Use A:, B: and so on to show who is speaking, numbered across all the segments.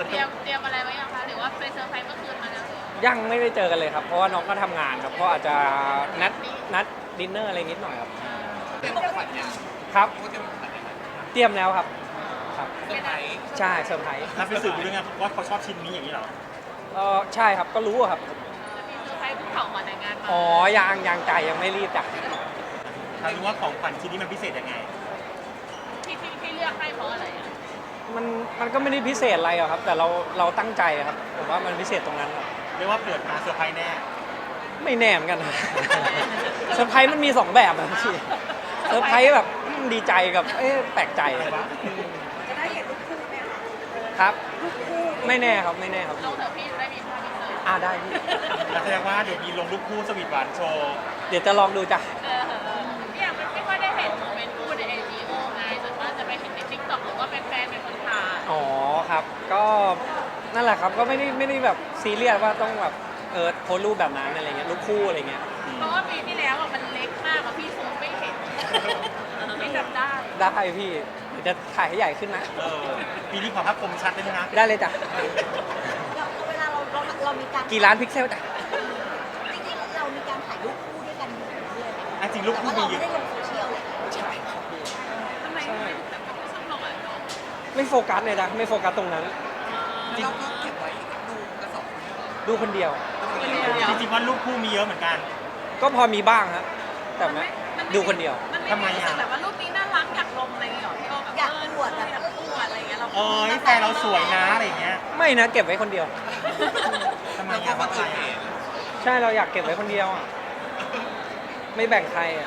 A: เตรียมอะไรไว้ยังคะหรือว่าไปเซอร์ไพรส์เมื่อคืนมาแล้ว
B: ยังไม่ได้เจอกันเลยครับเพราะว่าน้องก็ทำงานครับก็อาจจะนัดดินเนอร์อะไรนิดหน่อยครับ
C: เตรียมของขวัญยัง
B: ครับ
C: เขาเตรียมของขวัญยังไง
B: เตรียมแล้วครับครับ
C: เซอร์ไพรส์
B: ใช่เซอร์ไพรส์
D: นับไปสืบดูด้วยไงว่าเขาชอบชิ้นนี้อย่างนี้เหรอ
B: ใช่ครับก็รู้อะครับ
A: จะมีเซอร์ไพรส์ภูเขาก่อนแต่งงานมา
B: อ๋อยังใจยังไม่รีบจ้ะ
D: ถ้ารู้ว่าของขวัญชิ้นนี้มันพิเศษยังไง
A: ที่เลือกให้เพราะอะไรอ่ะ
B: มันก็ไม่ได้พิเศษอะไรหรอกครับ แต่เราตั้งใจอะครับผมว่ามันพิเศษตรงนั้นครับ
D: เรียกว่าเปิดมาเซอร์ไพรส์แน่
B: ไม่แน่เหมือนกันนะ เซอร์ไพรส์มันมีสองแบบนะพี่เซอร์ไพรส์แบบดีใจกับแปลกใจ
D: อะไรวะ
E: จะได้เห็นรูปคู่ไหมคะ
B: ครับ ไม่แน่ครับไม่แน่ครับ
A: ลงเถอะพี่ได้มีภาพพิเศษ
B: ได้พี่
D: แล้วแสดงว่าเดี๋ยวมีลงรูปคู่สวีทหวานโชว์
B: เดี๋ยวจะลองดูจ้ะ
A: เนี่ยมันไม่ค่อยได้เห็นโมเมนต์คู่ใน AGO ไงส่วนมากจะไปเห็นใน TikTok หรือว่าเป็นแฟนเป็นคนถ่าย
B: อ๋อครับ ก็นั่นแหละครับก็ไม่ได้แบบซีเรียสว่าต้องแบบโพสต์รูปแบบนั้นอะไรเงี้ยรูปคู่อะไรเงี้ย
A: เพราะว่าปีที่แล้วอะมันเล็กมากอะพี่ซูมไม่เห็นไม่จำได้
B: ได้พี่เดี๋ยวจะถ่ายให้ใหญ่ขึ้นนะ
D: ปีนี้ขอภาพคมชัดได้ไหมนะ
B: ได้เลยจ้ะ
E: เราเวลาเรามีการ
B: กี่ล้านพิกเซลจ้ะ
E: จริงๆเรามีการถ่ายรูปคู่ด้วยกันอยู่เลยไหม
D: อ่ะจริงรูป
E: แต่
D: คู่
E: ว่า
D: มี
E: เรา
D: เย
E: ไม่
D: อะ
E: ได้ลงโซเชียลเลย
B: ใช่ครับพี่
A: ทำไมแต่ไม่ชอบลงอ่ะ
B: ไม่โฟกัสเลยนะไม่โฟกัสตรงนั้น
C: เราก็เก็บไว้ดูกระสอบ
B: ดูคนเดียว
D: จริงๆว่ารูปคู่มีเยอะเหมือนกัน
B: ก็พอมีบ้างฮะแต่ไม่ดูคนเดียว
A: มันไม่รู้สึกแบบว่ารูปนี้น่ารักอยากลงอะไรอย่างเงี้ยพี่โอแบบ
E: อยากอวดแบบ
A: อยากอวดอะไรอย่างเงี้ยเรา
D: เอ้ยแฟนเราสวยนะอะไรอย่างเงี้ย
B: ไม่นะเก็บไว้คนเดียว
D: ทำไม
C: เราก็
D: อ่ะ
C: คนอื่นเห็น
B: ใช่เราอยากเก็บไว้คนเดียวอ่ะไม่แบ่งใครอ่ะ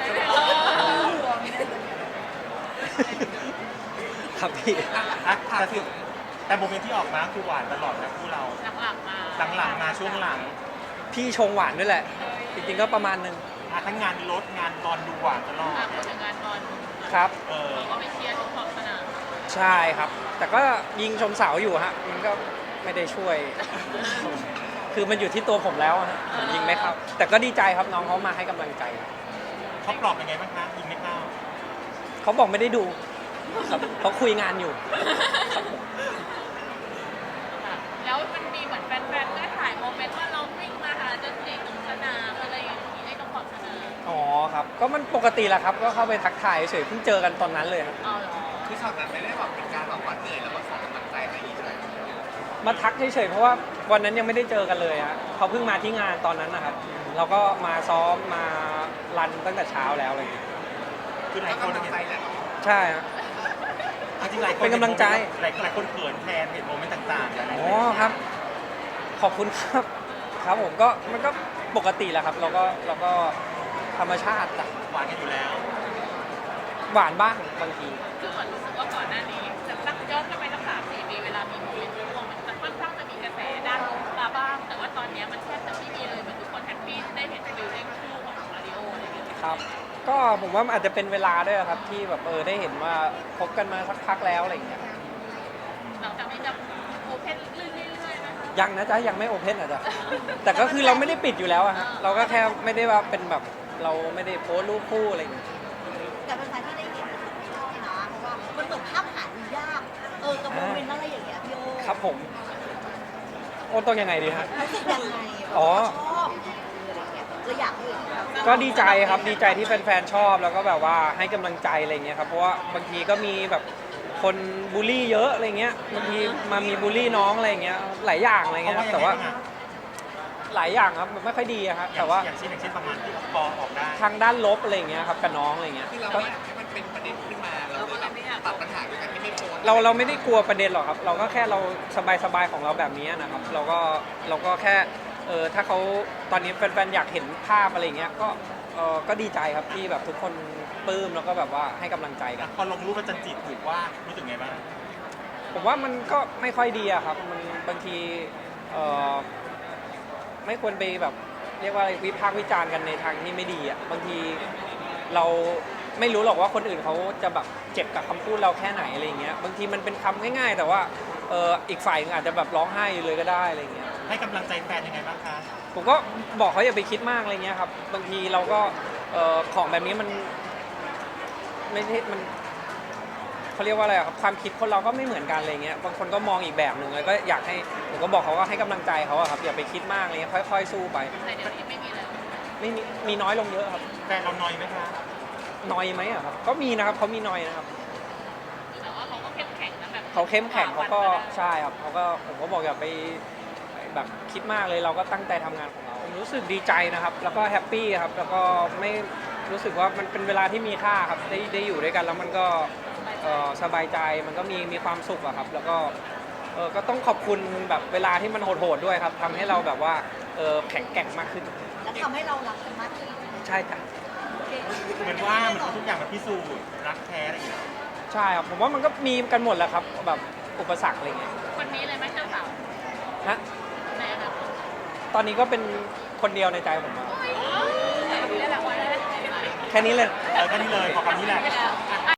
B: ครับพี่
D: อ่ะแต่โมเมนต์ที่ออกมาคือหวานตลอดนะคู่เรา
A: หลังๆมา
D: หลังๆมาช่วงหลัง
B: พี่ชงหวานด้วยแหละ จริงๆก็ประมาณนึง
D: ทั้งงานรถงานบอลดูหวานตลอด
A: พูดถึงงานบอล
B: ครับ
A: เราก็ไปเชียร์ทุกขอบสนาม
B: ใช่ครับ แต่ก็ยิงชมเสาอยู่ฮะมันก็ไม่ได้ช่วย คือมันอยู่ที่ตัวผมแล้วอะฮะผมยิงไม่เข้าแต่ก็ดีใจครับน้องเขามาให้กำลังใจ
D: เขาปลอบยังไงบ้างคะยิงไม่เข้า
B: เขาบอกไม่ได้ดูครับเขาคุยงานอยู่ครับผม
A: แล้วมันมีเหมือนแฟนๆก็ถ่ายโมเมนต์ว่าเราวิ่งมาหาจนถึงสนามอะไรอย่างงี้ไอ้ตรงขอบสนาม
B: อ๋อครับ ก็มันปกติแหละครับ ก็เข้าไปทักทายเฉยเพิ่งเจอกันตอนนั้นเลยครับ
A: เอาเหรอ
C: คือฉากนั้นไม่ได้แบบเป็นการแบบว่าเหนื่อยแล้วก็ส่งกำลังใจให้อีกเลย
B: มาทักเฉยๆเพราะว่าวันนั้นยังไม่ได้เจอกันเลยฮะเขาเพิ่งมาที่งานตอนนั้นนะครับ เราก็มาซ้อมมารันตั้งแต่เช้าแล้วอะไรอย่างเงี้ย
D: คือหลาย
C: ก็
D: คน
C: กำลัง
D: เห็น
C: ใจแหละเนาะ
B: ใช่ฮะ
D: จริงๆหลายคน
B: เป็นกำลังใจ
D: หลายคนเขินแทนเห็นโมเมนต์ต่างๆอะไร
B: อ๋อครับ ขอบคุณครับ ครับผมก็มันก็ปกติแหละครับ เราก็ธรรมชาติจ้ะ
D: หวานกันอยู่แล้ว
B: หวานบ้างบางที
A: คือเหมือนรู้สึกว่าก่อนหน้านี้จะตั้งย้อนกลับไปตั้ง3-4 ปีเวลามีโมเมนต์ร่วมมันจะค่อนข้างจะมีกระแสด้านลบมาบ้าง แต่ว่าตอนเนี้ยมันแทบจะไม่มีเลยเหมือนทุกคนแฮปปี้ได้เห็นฟิลลิ่งคู่ของมาริโออะไรอย่างเงี้ย
B: ครับ ก็ผมว่ามันอาจจะเป็นเวลาด้วยครับที่แบบได้เห็นว่าคบกันมาสักพักแล้วอะไรอย่างเงี้ย
A: หลังจากนี้จะโอเพนเรื่อยๆนะคะ
B: ยังนะจ๊ะยังไม่โอเพนอ่ะจ๊ะแต่ก็คือเราไม่ได้ปิดอยู่แล้วอะฮะเราก็แค่ไม่ได้ว่าเป็นแบบเราไม่ได้โพสต์รูปคู่อะไรอย่างเงี้ย
E: แต่เป็นการที่ได้เห็นชอบนะเพราะว่ามันเหมือนภาพหาดูยากกับโมเมนต์อะไรอย่างเงี้ยพี่โอ
B: ครับผมโอ้ต้องยังไงดีฮะ
E: รู้สึกยังไง
B: อ๋อ
E: ชอบอะไรอย่างเงี้ยเราอยากเห็น
B: ก็ดีใจครับดีใจที่แฟนๆชอบแล้วก็แบบว่าให้กำลังใจอะไรเงี้ยครับเพราะว่าบางทีก็มีแบบคนบูลลี่เยอะอะไรเงี้ยบางทีมามีบูลลี่น้องอะไรเงี้ยหลายอย่างอะไรเงี้ยครับแต่ว่าหลายอย่างครับมันไม่ค่อยดีอะครับแต่ว่า
D: อย่างเช่นประมาณที่พอออกได้
B: ทางด้านลบอะไรเงี้ยครับกับน้องอะไรเงี้ย
C: คือเรา
B: ก็
C: ไม่อยากให้มันเป็นประเด็นขึ้นมาเราเลยแบบตัดปัญหาด้วยกันที่ไม่โพสต์
B: เราไม่ได้กลัวประเด็นหรอกครับ เราก็แค่เราสบายๆของเราแบบนี้นะครับ เราก็แค่ถ้าเขาตอนนี้แฟนๆอยากเห็นภาพอะไรเงี้ยก็ดีใจครับที่แบบทุกคนปลื้มแล้วก็แบบว่าให้กำลังใจกัน
D: พอลงรูปแล้วจันจิถูกว่ารู้สึกไงบ้าง
B: ผมว่ามันก็ไม่ค่อยดีอะครับมันบางทีไม่ควรไปแบบเรียกว่าอะไรวิพากษ์วิจารณ์กันในทางที่ไม่ดีอะบางทีเราไม่รู้หรอกว่าคนอื่นเขาจะแบบเจ็บกับคำพูดเราแค่ไหนอะไรเงี้ยบางทีมันเป็นคำง่ายๆ แต่ว่าอีกฝ่ายอาจจะแบบร้องไห้อยู่เลยก็ได้อะไรเงี้ย
D: ให้กำลังใจแฟนยังไงบ้างคะ
B: ผมก็บอกเขาอย่าไปคิดมากอะไรเงี้ยครับบางทีเราก็ของแบบนี้มันไม่ใช่มันเขาเรียกว่าอะไรอะครับความคิดคนเราก็ไม่เหมือนกันอะไรเงี้ยบางคนก็มองอีกแบบหนึ่งแล้วก็อยากให้ผมก็บอกเขาว่าให้กำลังใจเขาอะครับอย่าไปคิดมากอะไรเงี้ยค่อยๆสู้ไป
A: แต่เดี๋ยวนี้ไม่มีแล้ว
B: ไม่มีน้อยลงเยอะครับ
D: แฟนเรานอยไหมคะ
B: น้อยไหมอะครับก็มีนะครับเขามีน้อยนะครับ
A: แต่ว่าเขาก็เข้มแข็งนะแบบ
B: เขาเข้มแข็งเขาก็ใช่ครับเขาก็ผมก็บอกอย่าไปแบบคิดมากเลยเราก็ตั้งใจทำงานของเราผมรู้สึกดีใจนะครับ แล้วก็แฮปปี้ครับแล้วก็ไม่รู้สึกว่ามันเป็นเวลาที่มีค่าครับได้อยู่ด้วยกันแล้วมันก็สบายใจมันก็มีความสุขอะครับ แล้วก็ก็ต้องขอบคุณแบบเวลาที่มันโหดๆด้วยครับทำให้เราแบบว่าแข็งแกร่งมากขึ้น
E: แล้วทำให้เรารักกันมากขึ้น
B: ใช่จ้ะ
D: เหมือนว่ามันทุกอย่างมันพิสูจน์รักแท้อะไรอย่างเงี้ย
B: ใช่ครับผมว่ามันก็มีกันหมดแหละครับแบบอุปสรรคอะไรเงี้ย
A: วันนี้เลยไหมเจ้าสาว
B: นะ
A: ในอนาคต
B: ตอนนี้ก็เป็นคนเดียวในใจผมอะ
A: แต่วันนี้แหละวันแรก
B: แค่นี้เลย
D: แค่นี้เลยขอคำนี้แหละ
A: แล้ว